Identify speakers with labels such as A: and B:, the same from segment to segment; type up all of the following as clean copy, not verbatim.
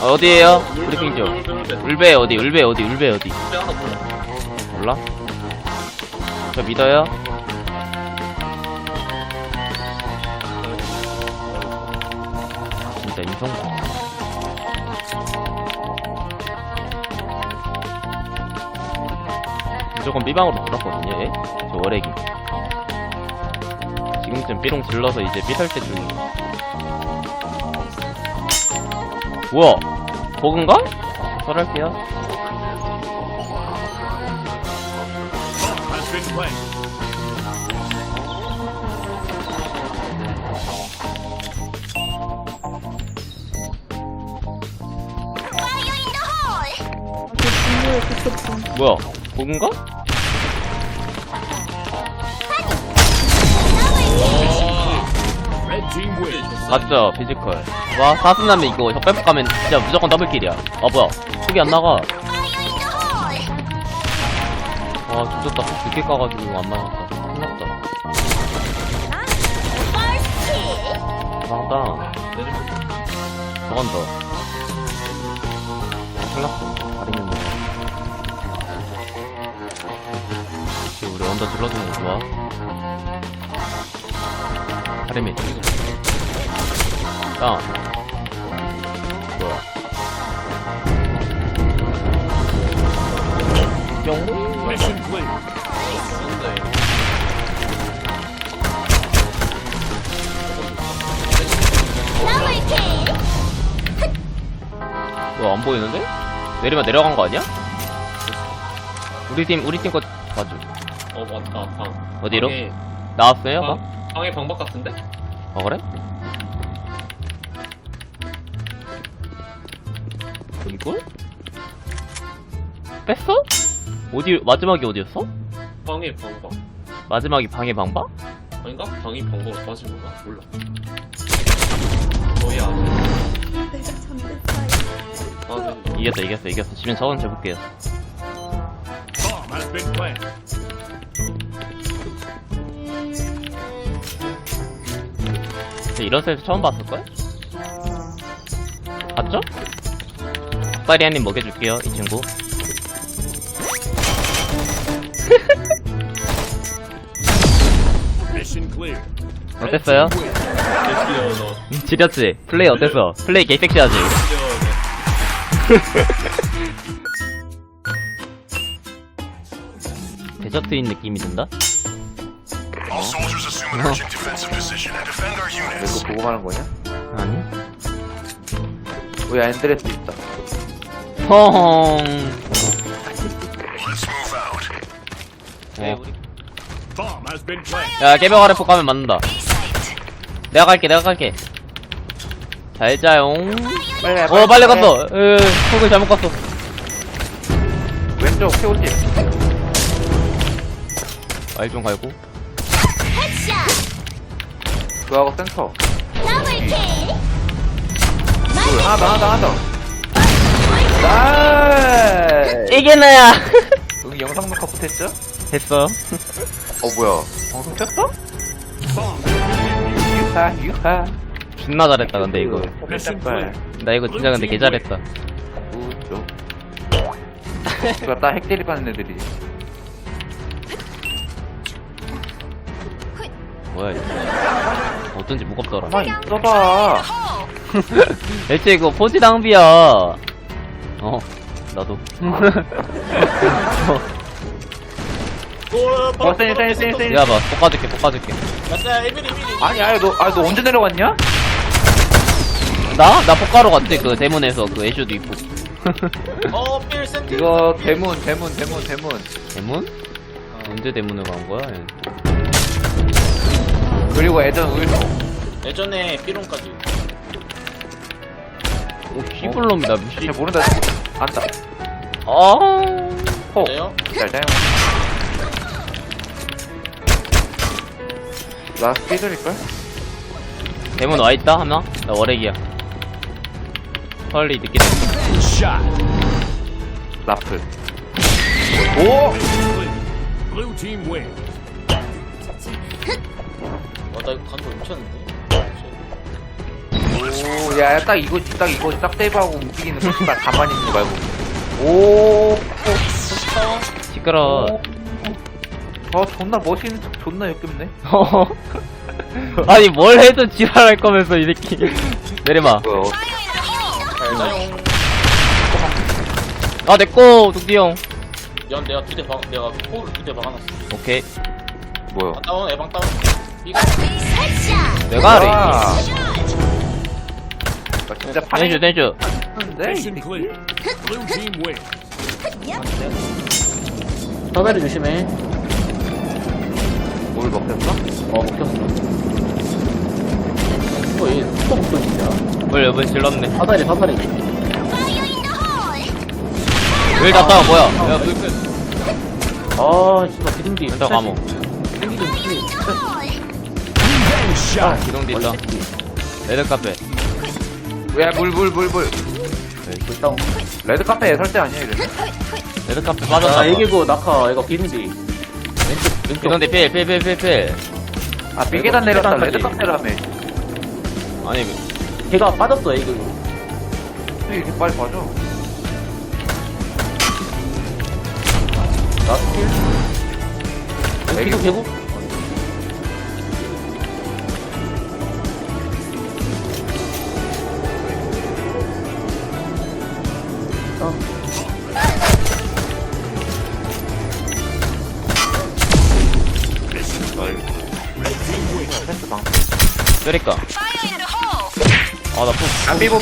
A: 어디에요? 브리핑 좀. 울베 어디? 울베 어디? 울베 어디? 몰라? 저 믿어요? 진짜 임성공. 무조건 B방으로 들었거든요, 얘? 저 월애기. 지금쯤 B롱 질러서 이제 B 설 때 중이에요. 뭐야? 버그인가? 설할게요. 뭐야? 버그인가? 맞죠? 피지컬. 와, 사슴남이 이거 혁배폭 가면 진짜 무조건 더블킬이야. 아, 뭐야. 속이 안 나가. 아, 죽었다. 폭 늦게 까가지고 안 맞았다. 큰일났다. 대박다. 저건 더. 큰일났어. 다리는 우리 언더 질러주는 거 좋아. 하림이 다운. 뭐야? 뿅. 뭐야, 안 보이는데? 내리면 내려간 거 아니야? 우리 팀 거 봐줘.
B: 맞다. 방.
A: 어디로?
B: 방에,
A: 나왔어요? 방?
B: 방에 방박 같은데?
A: 그래? 이걸? 뺐어? 어디, 마지막이 어디였어?
B: 방에 방박.
A: 마지막이 방의 방박?
B: 아닌가? 방이 방박으로 빠진 건가? 몰라. 거의 안 해.
C: 내가 잠들 사이.
A: 이겼어. 지면 저건 재볼게요. 이런 셀프 처음 봤을걸? 봤죠? 닭다리 한입 먹여줄게요, 이 친구. 어땠어요? 지렸지? 플레이 어땠어? 플레이 개 섹시하지? 데저트인 느낌이 든다?
D: 이거 보고 가는 거냐?
A: 아니?
D: 왜 엔드레스 있다.
A: 허헝. 야, 깨벽 아래 폭 가면 맞는다. 내가 갈게. 잘 자용. 빨리 갔어. 폭을 잘못 갔어.
D: 왼쪽 태우지.
A: 말 좀 갈고.
D: 그거하고 센터. 하나 더. 나이스.
A: 이게 나야.
D: 여기 영상 녹화 못했죠?
A: 됐어.
D: 뭐야? 방송 켰어? 유하.
A: 존나 잘했다, 근데 이거. 나 이거 진짜 근데 개 잘했다.
D: 우쪽. 이거 딱 핵대리 받는 애들이.
A: 뭐야, 이거. 어쩐지 무겁더라.
D: 가만히 있어봐.
A: 대체 이거 포지 낭비야. 나도.
D: 센.
A: 야, 봐. 볶아줄게.
D: 아니, 너 언제 내려왔냐?
A: 나 볶아러 갔지, 그 대문에서 그 애쇼도 있고.
D: 이거 대문.
A: 대문? 언제 대문을 간 거야? 얘?
D: 그리고 예전 우유소.
E: 예전에 삐롱까지.
A: 오, 씨불놈이다, 미씨.
D: 잘 모른다. 안다. 호.
E: 그래요?
D: 잘 자요. 나 스피드릴걸?
A: 대문 와있다, 하나? 나 월핵이야. 헐리 늦게 됐어.
D: 라플. 오!
E: 나 이거 간거 미쳤는데?
D: 오, 야, 딱 이거 딱 세이브하고 움직이는 거, 딱 가만히 있는 거 말고. 오,
A: 시끄러.
D: 존나 멋있는 척 존나 역겹네.
A: 아니 뭘 해도 지랄할 거면서 이 새끼. 내려봐.
D: 뭐야.
A: 아 내꺼 둥디 형.
E: 연 내가 내가 포를 2대 박아놨어.
A: 오케이.
D: 뭐야.
E: 다운 에방 다운. 이거
A: 내가 하래.
D: 아, 진짜
A: 댄슈 댄슈.
D: 파는데?
C: 사다리 조심해.
D: 뭘 먹혔어?
C: 먹혔어. 얘 스톱 목소리야.
A: 뭘 여분 질렀네.
C: 사다리.
A: 왜 났다 뭐야? 야
C: 아, 진짜 기둥기.
A: 왼쪽 감옥.
C: 기둥기 좀 치.
A: 기둥디 있어. 레드 카페.
D: 야, 물.
C: 불다운.
D: 레드 카페에 설대 아니야, 이래?
A: 레드 카페 빠졌다.
C: 아, 이게고 낙하. 이거 기둥기. 왼쪽.
A: 기둥디 필.
D: 아, 삐계단 내렸다. 레드
C: 계단까지.
D: 카페라며.
A: 아니
C: 걔가 빠졌어, 이게고.
D: 왜 이렇게 빨리 빠져?
C: 라스킬.
D: 애기
C: 개구.
D: 패스 방.
A: 때릴까? 아나 푹.
D: 아, 삐보.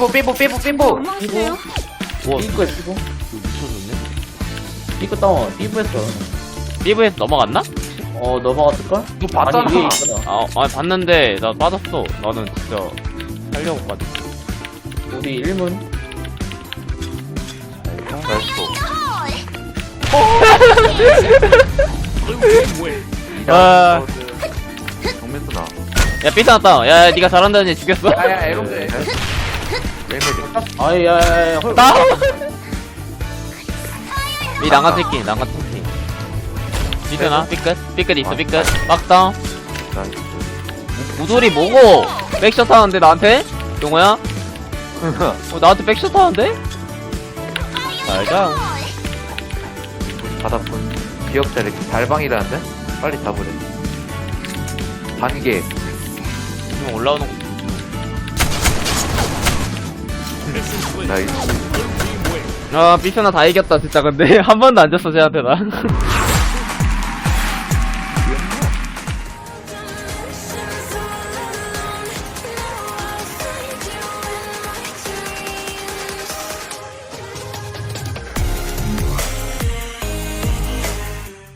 A: 우와
C: 삐꾸에 삐꾸.
A: 미쳐졌네.
C: 삐꾸 다운. 삐꾸했어.
A: 삐브에서 넘어갔나?
C: 넘어갔을걸?
D: 너 봤잖아.
C: 아니, 위에 있구나.
A: 아니 봤는데 나 빠졌어. 나는 진짜 살려고 빠졌어.
C: 우리 1문.
D: 형, 나이스.
A: 아.
D: 정면도 나.
A: 야 삐스 났다. 야 니가 잘한다는 애 죽였어.
D: 야, 에롱데. 멜메디.
C: 아이, 야, 헐.
A: 나. 이 난간 새끼. 삐끗나? 삐끗 있어 삐끗. 빡다운. 우돌이 뭐고? 백샷 하는데 나한테? 용호야? 나한테 백샷 하는데? 잘가.
D: 바닥분. 기억자 이렇게 달방이라는데? 빨리 잡으래. 반개.
A: 지금 올라오는 거.
D: 나이스.
A: 아 삐스나 다 이겼다 진짜. 근데 한 번도 안 졌어 쟤한테 나.